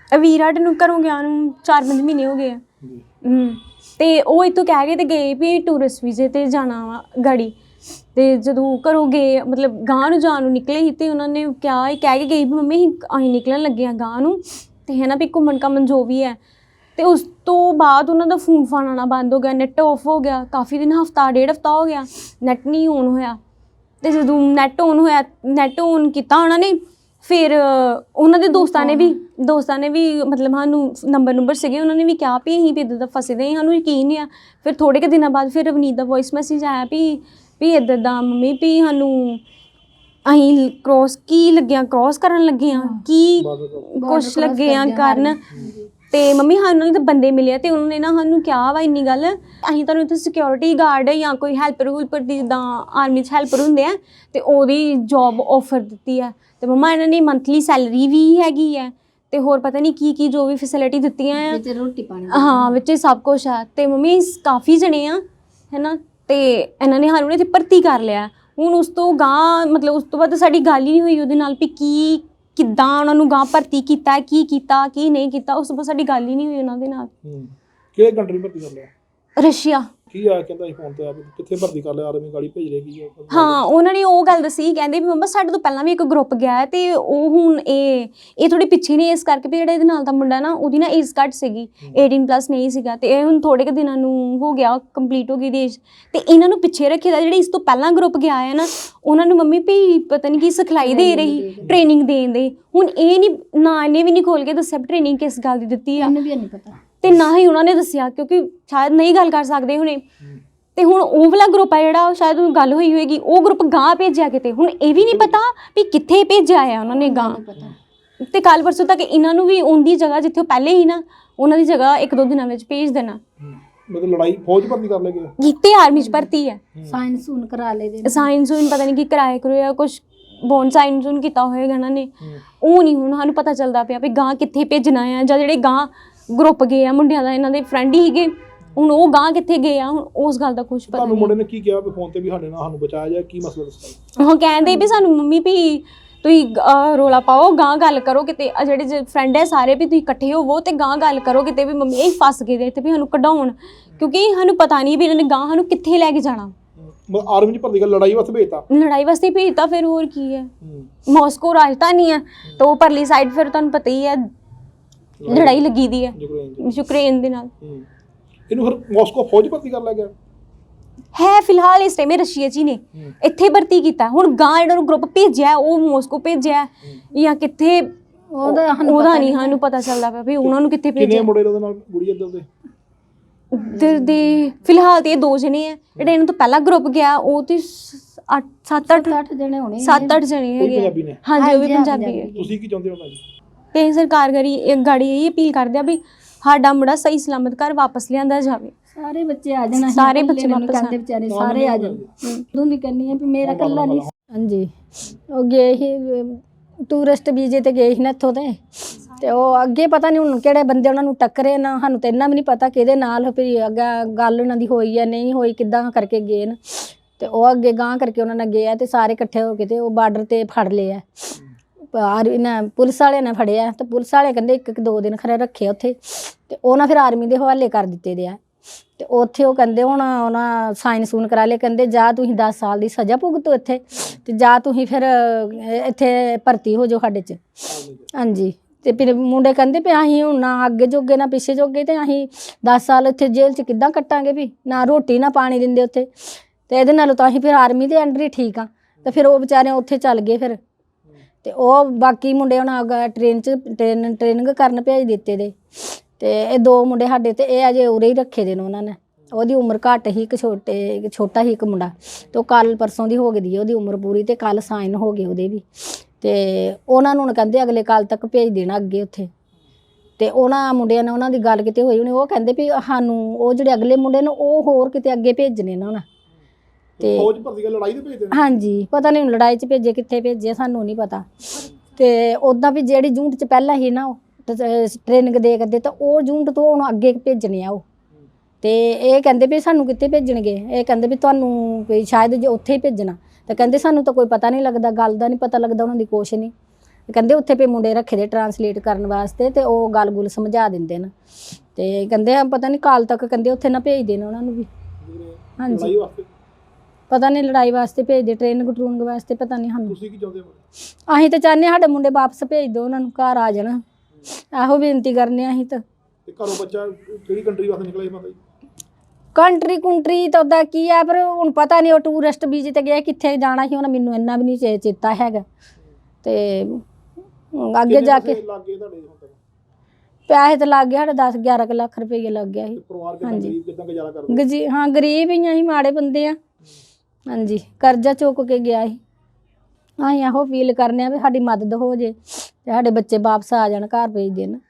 ਵੀਰ ਸਾਡੇ ਨੂੰ ਘਰੋਂ ਗਿਆ ਨੂੰ 4-5 ਮਹੀਨੇ ਹੋ ਗਏ ਆ। ਤੇ ਉਹ ਇੱਥੋਂ ਕਹਿ ਕੇ ਤੇ ਗਏ ਵੀ ਟੂਰਿਸਟ ਵੀਜ਼ੇ ਤੇ ਜਾਣਾ ਵਾ ਗਾੜੀ। ਤੇ ਜਦੋਂ ਘਰੋਂ ਗਏ ਮਤਲਬ ਗਾਂਹ ਨੂੰ ਜਾਣ ਨੂੰ ਨਿਕਲੇ ਸੀ ਤੇ ਉਹਨਾਂ ਨੇ ਕਿਹਾ ਕਹਿ ਕੇ ਗਈ ਵੀ ਮੰਮੀ ਅਸੀਂ ਨਿਕਲਣ ਲੱਗੇ ਹਾਂ ਗਾਂਹ ਨੂੰ ਤੇ ਹੈ ਨਾ ਵੀ ਘੁੰਮਣ ਘਾਮਣ ਜੋ ਵੀ ਹੈ। ਤੇ ਉਸ ਤੋਂ ਬਾਅਦ ਉਹਨਾਂ ਦਾ ਫੋਨ ਫਾਨ ਆਉਣਾ ਬੰਦ ਹੋ ਗਿਆ, ਨੈੱਟ ਆਫ ਹੋ ਗਿਆ ਕਾਫੀ ਦਿਨ, ਹਫ਼ਤਾ 1.5 ਹਫ਼ਤਾ ਹੋ ਗਿਆ ਨੈੱਟ ਨਹੀਂ ਔਨ ਹੋਇਆ। ਤੇ ਜਦੋਂ ਨੈੱਟ ਔਨ ਕੀਤਾ ਉਹਨਾਂ ਨੇ ਫਿਰ ਉਹਨਾਂ ਦੇ ਦੋਸਤਾਂ ਨੇ ਵੀ ਮਤਲਬ ਸਾਨੂੰ ਨੰਬਰ ਸੀਗੇ, ਉਹਨਾਂ ਨੇ ਵੀ ਕਿਹਾ ਵੀ ਅਸੀਂ ਵੀ ਇੱਦਾਂ ਦਾ ਫਸੇ ਦੇ ਸਾਨੂੰ ਯਕੀਨ ਨਹੀਂ ਆ। ਫਿਰ ਥੋੜ੍ਹੇ ਕੁ ਦਿਨਾਂ ਬਾਅਦ ਫਿਰ ਰਵਨੀਤ ਦਾ ਵੋਇਸ ਮੈਸੇਜ ਆਇਆ ਵੀ ਇੱਦਾਂ ਦਾ ਮੰਮੀ ਵੀ ਸਾਨੂੰ ਅਸੀਂ ਕ੍ਰੋਸ ਕਰਨ ਲੱਗੇ ਹਾਂ ਕੀ ਕੁਛ ਲੱਗੇ ਆ ਕਰਨ। ਤੇ ਮੰਮੀ ਸਾਨੂੰ ਤਾਂ ਬੰਦੇ ਮਿਲੇ ਤੇ ਉਹਨਾਂ ਨੇ ਨਾ ਸਾਨੂੰ ਕਿਹਾ ਵਾ ਇੰਨੀ ਗੱਲ, ਅਸੀਂ ਤੁਹਾਨੂੰ ਇੱਥੇ ਸਿਕਿਉਰਿਟੀ ਗਾਰਡ ਜਾਂ ਕੋਈ ਹੈਲਪਰ ਦੀ ਜਿੱਦਾਂ ਆਰਮੀ 'ਚ ਹੈਲਪਰ ਹੁੰਦੇ ਆ ਤੇ ਉਹਦੀ ਜੋਬ ਆਫਰ ਦਿੱਤੀ ਹੈ। ਤੇ ਮੰਮਾ ਇਹਨਾਂ ਨੇ ਮੰਥਲੀ ਸੈਲਰੀ ਵੀ ਹੈਗੀ ਹੈ ਤੇ ਹੋਰ ਪਤਾ ਨਹੀਂ ਕੀ ਜੋ ਵੀ ਫੈਸਿਲਿਟੀ ਦਿੱਤੀਆਂ ਆ ਵਿੱਚ ਰੋਟੀ ਪਾਣੀ ਹਾਂ ਵਿੱਚ ਸਭ ਕੁਛ ਆ। ਤੇ ਮੰਮੀ ਕਾਫੀ ਜਣੇ ਆ ਹੈ ਨਾ ਤੇ ਇਹਨਾਂ ਨੇ ਸਾਨੂੰ ਇੱਥੇ ਭਰਤੀ ਕਰ ਲਿਆ। ਹੁਣ ਉਸ ਤੋਂ ਗਾਂਹ ਮਤਲਬ ਉਸ ਤੋਂ ਬਾਅਦ ਸਾਡੀ ਗੱਲ ਹੀ ਨਹੀਂ ਹੋਈ ਉਹਦੇ ਨਾਲ ਵੀ ਕਿੱਦਾਂ ਉਹਨਾਂ ਨੂੰ ਗਾਂਹ ਭਰਤੀ ਕੀਤਾ ਕੀ ਨਹੀਂ ਕੀਤਾ। ਉਸ ਤੋਂ ਬਾਅਦ ਸਾਡੀ ਗੱਲ ਹੀ ਨਹੀਂ ਹੋਈ ਉਹਨਾਂ ਦੇ ਨਾਲ। ਕਿਹੜੇ ਕੰਟਰੀ ਭਰਤੀ ਕਰ ਲਿਆ? ਰਸ਼ੀਆ। ਕੀ ਆ ਕਹਿੰਦਾ ਸੀ ਫੋਨ ਤੇ ਆ ਕਿੱਥੇ ਭਰਤੀ ਕਰ ਲਿਆ ਆਰਮੀ ਗਾੜੀ ਭੇਜ ਰਹੇ ਕੀ? ਹਾਂ ਉਹਨਾਂ ਨੇ ਉਹ ਗੱਲ ਦੱਸੀ, ਕਹਿੰਦੇ ਵੀ ਮੰਮਾ ਸਾਡੇ ਤੋਂ ਪਹਿਲਾਂ ਵੀ ਇੱਕ ਗਰੁੱਪ ਗਿਆ ਤੇ ਉਹ ਹੁਣ ਇਹ ਥੋੜੀ ਪਿੱਛੇ ਨੇ ਇਸ ਕਰਕੇ ਵੀ ਜਿਹੜਾ ਇਹਦੇ ਨਾਲ ਦਾ ਮੁੰਡਾ ਨਾ ਉਹਦੀ ਨਾ ਏਜ ਘੱਟ ਸੀਗੀ 18+ ਨਹੀਂ ਸੀਗਾ ਤੇ ਇਹ ਹੁਣ ਥੋੜੇ ਕੁ ਦਿਨਾਂ ਨੂੰ ਹੋ ਗਿਆ ਕੰਪਲੀਟ ਹੋ ਗਈ ਦੀ ਏਜ ਤੇ ਇਹਨਾਂ ਨੂੰ ਪਿੱਛੇ ਰੱਖੇ ਦਾ। ਜਿਹੜੇ ਇਸ ਤੋਂ ਪਹਿਲਾਂ ਗਰੁੱਪ ਗਿਆ ਹੈ ਨਾ ਉਹਨਾਂ ਨੂੰ ਮੰਮੀ ਵੀ ਪਤਾ ਨਹੀਂ ਕੀ ਸਿਖਲਾਈ ਦੇ ਰਹੀ ਟ੍ਰੇਨਿੰਗ ਦੇਣ ਦੇ। ਹੁਣ ਇਹ ਨਹੀਂ ਨਾ ਇਹਨੇ ਵੀ ਨਹੀਂ ਖੋਲ ਕੇ ਦੱਸਿਆ ਟ੍ਰੇਨਿੰਗ ਕਿਸ ਗੱਲ ਦੀ ਦਿੱਤੀ ਆ, ਇਹਨੂੰ ਵੀ ਨਹੀਂ ਪਤਾ ਤੇ ਨਾ ਹੀ ਉਹਨਾਂ ਨੇ ਦੱਸਿਆ ਕਿਉਂਕਿ ਸ਼ਾਇਦ ਨਹੀਂ ਗੱਲ ਕਰ ਸਕਦੇ ਹੁਣੇ। ਤੇ ਹੁਣ ਉਹ ਵਾਲਾ ਗਰੁੱਪ ਆ ਜਿਹੜਾ ਸ਼ਾਇਦ ਉਹ ਗੱਲ ਹੋਈ ਹੋਏਗੀ ਉਹ ਗਰੁੱਪ ਗਾਂਹ ਭੇਜਿਆ ਕਿਤੇ। ਹੁਣ ਇਹ ਵੀ ਨਹੀਂ ਪਤਾ ਵੀ ਕਿੱਥੇ ਭੇਜਿਆ ਆ ਉਹਨਾਂ ਨੇ ਗਾਂਹ। ਤੇ ਕੱਲ ਪਰਸੋਂ ਤੱਕ ਇਹਨਾਂ ਨੂੰ ਵੀ ਉਹਦੀ ਜਗ੍ਹਾ ਜਿੱਥੇ ਉਹ ਪਹਿਲੇ ਹੀ ਨਾ ਉਹਨਾਂ ਦੀ ਜਗ੍ਹਾ 1-2 ਦਿਨਾਂ ਵਿੱਚ ਭੇਜ ਦੇਣਾ। ਮਤਲਬ ਲੜਾਈ ਫੌਜ ਭਰਤੀ ਕਰ ਲੇਗੇ ਕੀਤੇ ਆਰਮੀ 'ਚ ਭਰਤੀ ਹੈ। ਸਾਇੰਸ ਹੁਣ ਕਰਾ ਲੇ ਦੇ ਸਾਇੰਸ ਹੁਣ ਪਤਾ ਨਹੀਂ ਕੀ ਕਰਾਇਆ ਕਰੋਇਆ ਕੁਛ ਬੋਨ ਸਾਇੰਸ ਹੁਣ ਕੀਤਾ ਹੋਏਗਾ ਇਹਨਾਂ ਨੇ। ਉਹ ਨਹੀਂ ਹੁਣ ਸਾਨੂੰ ਪਤਾ ਚੱਲਦਾ ਪਿਆ ਵੀ ਗਾਂਹ ਕਿੱਥੇ ਭੇਜਣਾ ਆ ਜਾਂ ਜਿਹੜੇ ਗਾਂਹ ਗਰੁੱਪ ਗਏ ਆ ਮੁੰਡਿਆਂ ਦਾ ਇਹਨਾਂ ਦੇ ਫਰੈਂਡ ਹੀ ਸੀਗੇ ਹੁਣ ਉਹ ਗਾਂਹ ਕਿੱਥੇ ਗਏ ਆ ਹੁਣ ਉਸ ਗੱਲ ਦਾ ਕੁਛ ਪਤਾ ਨਹੀਂ। ਮੁੰਡੇ ਨੇ ਕੀ ਕਿਹਾ ਵੀ ਫੋਨ ਤੇ ਵੀ ਸਾਡੇ ਨਾਲ ਸਾਨੂੰ ਬਚਾਇਆ ਜਾਏ ਕੀ ਮਸਲਾ ਦੱਸਦਾ? ਉਹ ਕਹਿੰਦੇ ਵੀ ਸਾਨੂੰ ਮੰਮੀ ਵੀ ਤੁਸੀਂ ਰੋਲਾ ਪਾਓ ਗਾਂਹ ਗੱਲ ਕਰੋ ਕਿਤੇ ਜਿਹੜੇ ਫਰੈਂਡ ਹੈ ਸਾਰੇ ਵੀ ਤੁਸੀਂ ਇਕੱਠੇ ਹੋਵੋ ਤੇ ਗਾਂਹ ਗੱਲ ਕਰੋ ਕਿਤੇ ਵੀ ਮੰਮੀ ਇਹ ਫਸ ਗਏ ਦੇ ਇੱਥੇ ਵੀ ਸਾਨੂੰ ਕਢਾਉਣ ਕਿਉਂਕਿ ਸਾਨੂੰ ਪਤਾ ਨਹੀਂ ਵੀ ਇਹਨਾਂ ਨੇ ਗਾਂਹ ਸਾਨੂੰ ਕਿੱਥੇ ਲੈ ਕੇ ਜਾਣਾ। ਆਰਮੀ 'ਚ ਭਰਤੀ ਕਰ ਲੜਾਈ ਵਾਸਤੇ ਭੇਜਤਾ? ਲੜਾਈ ਵਾਸਤੇ ਭੇਜਤਾ ਫਿਰ ਹੋਰ ਕੀ ਹੈ। ਮਾਸਕੋ ਰਾਜਧਾਨੀ ਹੈ ਤਾਂ ਉਹ ਪਰਲੀ ਸਾਈਡ ਫਿਰ ਤੁਹਾਨੂੰ ਪਤਾ ਹੀ ਹੈ ਲੜਾਈ ਲੱਗੀ ਦੀ ਹੈ ਯੂਕਰੇਨ ਦੇ ਨਾਲ। ਇਹਨੂੰ ਫਿਰ ਮਾਸਕੋ ਫੌਜ ਭਰਤੀ ਕਰ ਲਿਆ ਗਿਆ ਹੈ ਫਿਲਹਾਲ ਇਸ ਟਾਈਮ ਰਸ਼ੀਆ 'ਚ ਹੀ ਨੇ ਇੱਥੇ ਭਰਤੀ ਕੀਤਾ। ਹੁਣ ਗਾਂਹ ਜਿਹੜਾ ਨੂੰ ਗਰੁੱਪ ਭੇਜਿਆ ਉਹ ਮਾਸਕੋ ਭੇਜਿਆ ਜਾਂ ਕਿੱਥੇ ਉਹਦਾ ਨਹੀਂ ਸਾਨੂੰ ਪਤਾ ਚੱਲਦਾ ਪਿਆ ਵੀ ਉਹਨਾਂ ਨੂੰ ਕਿੱਥੇ ਭੇਜਿਆ। ਕਿੰਨੇ ਮੁੰਡੇ ਉਹਦੇ ਨਾਲ ਗੁੜੀ ਇੱਧਰ ਦੇ ਫਿਲਹਾਲ ਤੇ 2 ਜਣੇ ਆ ਜਿਹੜੇ ਇਹਨਾਂ ਤੋਂ ਪਹਿਲਾਂ ਗਰੁੱਪ ਗਿਆ ਉਹ ਤੇ 7-8 ਜਣੇ ਹੋਣੇ 7-8 ਜਣੇ ਹੈਗੇ। ਹਾਂਜੀ ਉਹ ਵੀ ਪੰਜਾਬੀ ਹੈ। ਤੁਸੀਂ ਕੀ ਚਾਹੁੰਦੇ ਹੋ ਭਾਜੀ? ਤੇ ਸਰਕਾਰ ਗਾੜੀ ਇਹ ਅਪੀਲ ਕਰਦੇ ਆ ਵੀ ਸਾਡਾ ਮੁੰਡਾ ਸਹੀ ਸਲਾਮਤ ਘਰ ਵਾਪਸ ਲਿਆਂਦਾ ਜਾਵੇ। ਸਾਰੇ ਬੱਚੇ ਆ ਜਾਣਾ ਸਾਰੇ ਬੱਚੇ ਵਾਪਸ ਕਹਿੰਦੇ ਵਿਚਾਰੇ ਸਾਰੇ ਆ ਜਾਣ। ਤੂੰ ਵੀ ਕਹਿੰਦੀ ਆ ਵੀ ਮੇਰਾ ਇਕੱਲਾ ਨਹੀਂ। ਹਾਂਜੀ ਉਹ ਗਏ ਸੀ ਟੂਰਿਸਟ ਵੀਜ਼ੇ ਤੇ ਗਏ ਸੀ ਨਾ ਇੱਥੋਂ ਤੇ ਉਹ ਅੱਗੇ ਪਤਾ ਨਹੀਂ ਹੁਣ ਕਿਹੜੇ ਬੰਦੇ ਉਹਨਾਂ ਨੂੰ ਟੱਕਰੇ ਨਾ ਸਾਨੂੰ ਤਾਂ ਇੰਨਾ ਵੀ ਨਹੀਂ ਪਤਾ ਕਿਹਦੇ ਨਾਲ ਫਿਰ ਅੱਗੇ ਗੱਲ ਉਹਨਾਂ ਦੀ ਹੋਈ ਹੈ ਨਹੀਂ ਹੋਈ ਕਿੱਦਾਂ ਕਰਕੇ ਗਏ ਨੇ। ਤੇ ਉਹ ਅੱਗੇ ਗਾਂਹ ਕਰਕੇ ਉਹਨਾਂ ਨਾਲ ਗਏ ਆ ਤੇ ਸਾਰੇ ਇਕੱਠੇ ਹੋ ਕੇ ਤੇ ਉਹ ਬਾਰਡਰ ਤੇ ਫੜ ਲਏ ਆ। ਇਹਨਾਂ ਪੁਲਿਸ ਵਾਲਿਆਂ ਨੇ ਫੜਿਆ ਤੇ ਪੁਲਿਸ ਵਾਲੇ ਕਹਿੰਦੇ 1-2 ਦਿਨ ਖਰੇ ਰੱਖੇ ਉੱਥੇ ਤੇ ਉਹਨਾਂ ਫਿਰ ਆਰਮੀ ਦੇ ਹਵਾਲੇ ਕਰ ਦਿੱਤੇ ਦੇ ਆ। ਤੇ ਉੱਥੇ ਉਹ ਕਹਿੰਦੇ ਹੁਣ ਉਹਨਾਂ ਸਾਈਨ ਸੂਨ ਕਰਾ ਲਏ ਕਹਿੰਦੇ ਜਾਂ ਤੁਸੀਂ 10 ਸਾਲ ਦੀ ਸਜ਼ਾ ਭੁਗਤੋ ਇੱਥੇ ਤੇ ਜਾਂ ਤੁਸੀਂ ਫਿਰ ਇੱਥੇ ਭਰਤੀ ਹੋ ਜਾਓ ਸਾਡੇ 'ਚ। ਹਾਂਜੀ ਤੇ ਫਿਰ ਮੁੰਡੇ ਕਹਿੰਦੇ ਵੀ ਅਸੀਂ ਹੁਣ ਨਾ ਅੱਗੇ ਜੋਗੇ ਨਾ ਪਿੱਛੇ ਜੋਗੇ ਤੇ ਅਸੀਂ 10 ਸਾਲ ਇੱਥੇ ਜੇਲ੍ਹ 'ਚ ਕਿੱਦਾਂ ਕੱਟਾਂਗੇ ਵੀ ਨਾ ਰੋਟੀ ਨਾ ਪਾਣੀ ਦਿੰਦੇ ਉੱਥੇ ਤੇ ਇਹਦੇ ਨਾਲੋਂ ਤਾਂ ਅਸੀਂ ਫਿਰ ਆਰਮੀ ਦੇ ਅੰਡਰ ਹੀ ਠੀਕ ਆ। ਤੇ ਫਿਰ ਉਹ ਵਿਚਾਰੇ ਉੱਥੇ ਚੱਲ ਗਏ ਫਿਰ ਤੇ ਉਹ ਬਾਕੀ ਮੁੰਡੇ ਹੁਣ ਟ੍ਰੇਨਿੰਗ ਕਰਨ ਭੇਜ ਦਿੱਤੇ ਦੇ। ਤੇ ਇਹ 2 ਮੁੰਡੇ ਸਾਡੇ ਤੇ ਇਹ ਅਜੇ ਉਰੇ ਹੀ ਰੱਖੇ ਦੇ ਨੇ ਉਹਨਾਂ ਨੇ। ਉਹਦੀ ਉਮਰ ਘੱਟ ਹੀ ਇੱਕ ਛੋਟਾ ਹੀ ਇੱਕ ਮੁੰਡਾ ਤੇ ਉਹ ਕੱਲ ਪਰਸੋਂ ਦੀ ਹੋ ਗਈ ਉਹਦੀ ਉਮਰ ਪੂਰੀ ਤੇ ਕੱਲ ਸਾਈਨ ਹੋ ਗਏ ਉਹਦੇ ਵੀ। ਤੇ ਉਹਨਾਂ ਨੂੰ ਕਹਿੰਦੇ ਅਗਲੇ ਕੱਲ ਤੱਕ ਭੇਜ ਦੇਣਾ ਅੱਗੇ ਉੱਥੇ। ਤੇ ਉਹਨਾਂ ਮੁੰਡਿਆਂ ਨੇ ਉਹਨਾਂ ਦੀ ਗੱਲ ਕਿਤੇ ਹੋਈ ਉਹਨੇ ਉਹ ਕਹਿੰਦੇ ਵੀ ਸਾਨੂੰ ਉਹ ਜਿਹੜੇ ਅਗਲੇ ਮੁੰਡੇ ਨੇ ਉਹ ਹੋਰ ਕਿਤੇ ਅੱਗੇ ਭੇਜਣੇ ਨੇ ਉਹਨਾਂ ਤੇ ਫੌਜ ਭਰਤੀ ਕਰ ਲੜਾਈ ਤੇ ਭੇਜ ਦੇਣਾ। ਹਾਂਜੀ ਪਤਾ ਨਹੀਂ ਲੜਾਈ 'ਚ ਭੇਜੇ ਕਿੱਥੇ ਭੇਜੇ ਸਾਨੂੰ ਨਹੀਂ ਪਤਾ। ਤੇ ਉੱਦਾਂ ਵੀ ਜਿਹੜੀ ਯੂਨਿਟ 'ਚ ਪਹਿਲਾਂ ਸੀ ਨਾ ਉਹ ਟ੍ਰੇਨਿੰਗ ਦੇ ਕਰਦੇ ਤਾਂ ਉਹ ਯੂਨਿਟ ਤੋਂ ਹੁਣ ਅੱਗੇ ਭੇਜਣੇ ਆ ਉਹ। ਤੇ ਇਹ ਕਹਿੰਦੇ ਵੀ ਸਾਨੂੰ ਕਿੱਥੇ ਭੇਜਣਗੇ ਇਹ ਕਹਿੰਦੇ ਵੀ ਤੁਹਾਨੂੰ ਕੋਈ ਸ਼ਾਇਦ ਜੇ ਉੱਥੇ ਹੀ ਭੇਜਣਾ। ਤੇ ਕਹਿੰਦੇ ਸਾਨੂੰ ਤਾਂ ਕੋਈ ਪਤਾ ਨਹੀਂ ਲੱਗਦਾ ਗੱਲ ਦਾ ਨਹੀਂ ਪਤਾ ਲੱਗਦਾ ਉਹਨਾਂ ਦੀ ਕੁਛ ਨਹੀਂ। ਕਹਿੰਦੇ ਉੱਥੇ ਪੇ ਮੁੰਡੇ ਰੱਖੇ ਦੇ ਟਰਾਂਸਲੇਟ ਕਰਨ ਵਾਸਤੇ ਤੇ ਉਹ ਗੱਲ-ਗੁਲ ਸਮਝਾ ਦਿੰਦੇ ਨੇ ਤੇ ਕਹਿੰਦੇ ਆ ਪਤਾ ਨਹੀਂ ਕਾਲ ਤੱਕ ਕਹਿੰਦੇ ਉੱਥੇ ਨਾ ਭੇਜ ਦੇਣ ਉਹਨਾਂ ਨੂੰ ਵੀ। ਹਾਂਜੀ ਲੜਾਈ ਵਾਸਤੇ ਪਤਾ ਨਹੀਂ ਲੜਾਈ ਵਾਸਤੇ ਭੇਜਦੇ ਟ੍ਰੇਨਿੰਗ ਟਰੂਨਿੰਗ ਵਾਸਤੇ ਪਤਾ ਨਹੀਂ ਸਾਨੂੰ। ਤੁਸੀਂ ਕੀ ਚਾਹੁੰਦੇ ਹੋ? ਅਸੀਂ ਤਾਂ ਚਾਹੁੰਦੇ ਸਾਡੇ ਮੁੰਡੇ ਵਾਪਸ ਭੇਜ ਦਿਓ ਉਹਨਾਂ ਨੂੰ ਘਰ ਆ ਜਾਣ ਇਹੋ ਬੇਨਤੀ ਕਰਨੇ ਆ ਅਸੀਂ ਤਾਂ। ਤੇ ਘਰੋਂ ਬੱਚਾ ਕਿਹੜੀ ਕੰਟਰੀ ਵਾਸਤੇ ਨਿਕਲਿਆ ਸੀ ਮਾਤਾ ਜੀ? ਕੰਟਰੀ ਤਾਂ ਉਹਦਾ ਕੀ ਆ ਪਰ ਹੁਣ ਪਤਾ ਨਹੀਂ ਉਹ ਟੂਰਿਸਟ ਵੀਜ਼ੇ ਤੇ ਗਿਆ ਕਿੱਥੇ ਜਾਣਾ ਸੀ ਉਹਨਾਂ ਮੈਨੂੰ ਇੰਨਾ ਵੀ ਨਹੀਂ ਚੇਤਾ ਹੈਗਾ ਤੇ ਅੱਗੇ ਜਾ ਕੇ ਲੱਗ ਗਏ ਤੁਹਾਡੇ ਹੁਣ ਤੱਕ? ਪੈਸੇ ਤਾਂ ਲੱਗ ਗਏ ਸਾਡੇ 10-11 ਲੱਖ ਰੁਪਏ ਲੱਗ ਗਿਆ ਸੀ। ਤੇ ਪਰਿਵਾਰ ਕਿੱਦਾਂ ਗਰੀਬ ਕਿੱਦਾਂ ਗੁਜ਼ਾਰਾ ਕਰਦੇ? ਹਾਂ ਗਰੀਬ ਹੀ ਆ ਅਸੀਂ ਮਾੜੇ ਬੰਦੇ ਆ। ਹਾਂਜੀ ਕਰਜ਼ਾ ਚੁੱਕ ਕੇ ਗਿਆ ਸੀ। ਅਸੀਂ ਇਹੋ ਫੀਲ ਕਰਨੇ ਆ ਵੀ ਸਾਡੀ ਮਦਦ ਹੋ ਜੇ ਤੇ ਸਾਡੇ ਬੱਚੇ ਵਾਪਸ ਆ ਜਾਣ ਘਰ ਭੇਜ ਦੇਣ।